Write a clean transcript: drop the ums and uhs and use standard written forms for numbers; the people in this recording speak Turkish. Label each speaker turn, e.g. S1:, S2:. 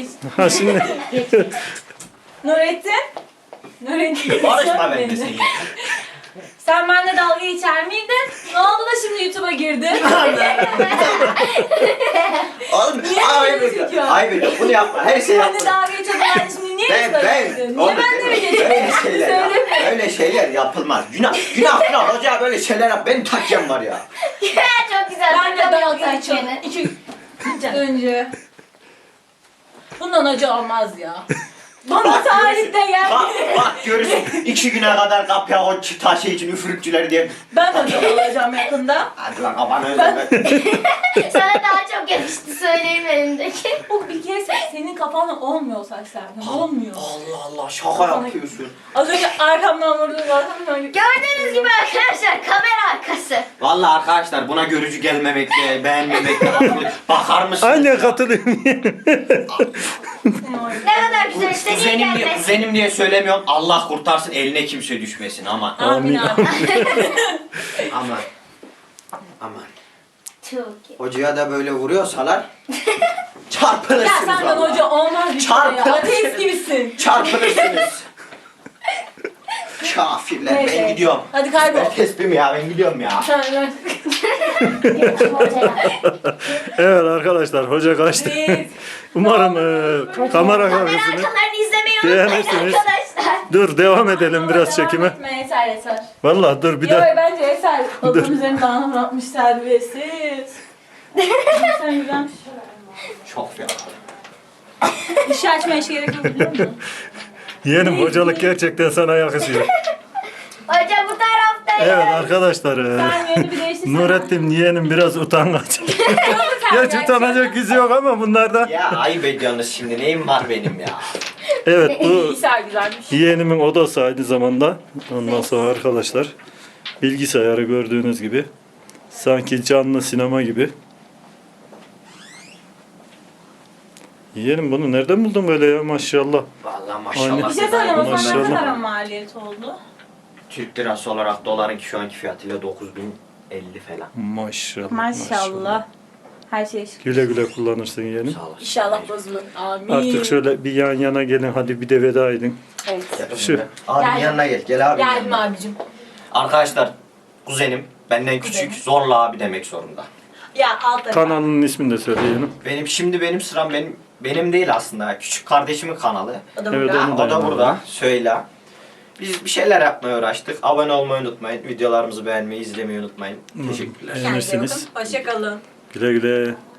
S1: geç.
S2: Ha şimdi.
S1: Nurettin. Nurettin.
S3: Barışma bende sen ya.
S1: Sen benimle dalga geçer miydin? Ne oldu da şimdi YouTube'a girdin?
S3: Oğlum
S1: Niye
S3: ayıp
S1: böyle
S3: ediyor.
S1: çekiyor?
S3: Ayıp ediyor. Bunu yapma. Her şey
S1: Benimle
S3: yapma.
S1: dalga geçiyordun şimdi niye YouTube'a girdin? Niye
S3: oğlum,
S1: benimle mi
S3: öyle
S1: geçiyorsun?
S3: şeyler ya.
S1: Söyle.
S3: Öyle şeyler yapılmaz. Günah. Hoca böyle şeyler yap. Benim takyem var ya.
S4: Çok güzel.
S1: Ben de dalga geçiyordum.
S4: geçiyorum.
S1: 2 gün önce. Bundan acı olmaz ya. Bana tarihte
S3: Bak görürsün. 2 güne kadar kapıya o taşı için üfürükçüleri diye.
S1: Ben acı olacağım yakında.
S3: Hadi lan kafanı özleme.
S4: Sana daha çok yakıştı söyleyeyim elimdeki.
S1: O bir kere senin kafanda olmuyor saçlardan. Olmuyor.
S3: Allah şaka yapıyorsun.
S1: Az önce arkamdan vurdun zaten.
S4: Gördüğünüz gibi arkadaşlar kamera arkası.
S3: Vallahi arkadaşlar buna görücü gelmemekle, beğenmemekle bakar mısınız?
S2: Aynen katılıyorum.
S4: Ne kadar güzel istediğin gelmez.
S3: Kuzenim diye söylemiyorum. Allah kurtarsın eline kimse düşmesin ama.
S1: Amin abi.
S3: Aman.
S4: Çok iyi.
S3: Hocaya da böyle vuruyorsalar
S1: Ya
S3: çarpılırsınız
S1: senden
S3: vallahi.
S1: hoca olmaz bir şey ya.
S3: Çarpılırsınız.
S1: Ateist gibisin.
S3: Çarpılırsınız. Kafirler.
S1: Neyse.
S3: Ben gidiyorum.
S1: Hadi kaybol.
S3: Ben tesbihim ya, ben gidiyorum ya.
S1: Sen
S4: Geçim hocaya.
S2: Evet arkadaşlar hoca kaçtı.
S1: Biz.
S2: Umarım kamera
S4: Kamera
S2: karşısını.
S4: arkalarını izlemeyi unutmayın
S2: Beğenirsiniz.
S4: arkadaşlar.
S2: Dur devam edelim biraz
S1: Devam
S2: çekime.
S1: etme, Eser.
S2: Vallahi dur bir
S1: Yo
S2: de.
S1: bence Eser. Adamın üzerine dağını bırakmış terbiyesiz. Sen güzelmiş.
S3: Çok ya.
S1: İşi açmaya hiç gerek yok biliyor musun?
S2: Yeğenim hocalık gerçekten sana yakışıyor.
S4: Hoca bu tarafta.
S2: Evet arkadaşlar.
S1: Sen yönünü bir değiştirsene.
S2: Nurettin yeğenim biraz utangaç. Gerçi utanacak yüzü yok ama bunlarda.
S3: Ya ayıp ediyorsunuz şimdi. Neyim var benim ya?
S2: Evet bu
S1: İsa güzelmiş.
S2: yeğenimin odası aynı zamanda. Ondan sonra arkadaşlar bilgisayarı gördüğünüz gibi sanki canlı sinema gibi. Yeğenim bunu nereden buldun böyle ya maşallah.
S3: Vallahi
S2: Aynen.
S3: maşallah.
S1: Bir şey söyleyeyim o zaman ne
S2: Maşallah.
S1: kadar maliyet oldu?
S3: Türk lirası olarak doların şu anki fiyatıyla 9050 falan.
S2: Maşallah.
S1: Maşallah. Her şey şükür.
S2: Güle güle kullanırsın yeğenim.
S3: Sağ olasın.
S1: İnşallah bozulur. Amin.
S2: Artık şöyle bir yan yana gelin hadi bir de veda edin.
S1: Evet.
S3: Gel
S2: Şu-
S3: Abinin
S1: Gel.
S3: yanına gel. Gel abi.
S1: Geldim abicim.
S3: Arkadaşlar kuzenim benden küçük
S1: Kuzenim.
S3: zorla abi demek zorunda.
S1: Ya alt tarafa.
S2: Kanalının ismini de söyle yeğenim.
S3: Benim sıram benim değil aslında. Küçük kardeşimin kanalı.
S1: O da
S2: Evet,
S1: burada.
S2: onu
S3: O da
S2: yanına
S3: burada.
S2: alalım.
S3: Söyle. Biz bir şeyler yapmaya uğraştık. Abone olmayı unutmayın. Videolarımızı beğenmeyi, izlemeyi unutmayın. Teşekkürler.
S1: Kendinize
S2: Beğenirsiniz.
S1: bakın. Hoşça kalın.
S2: Güle güle.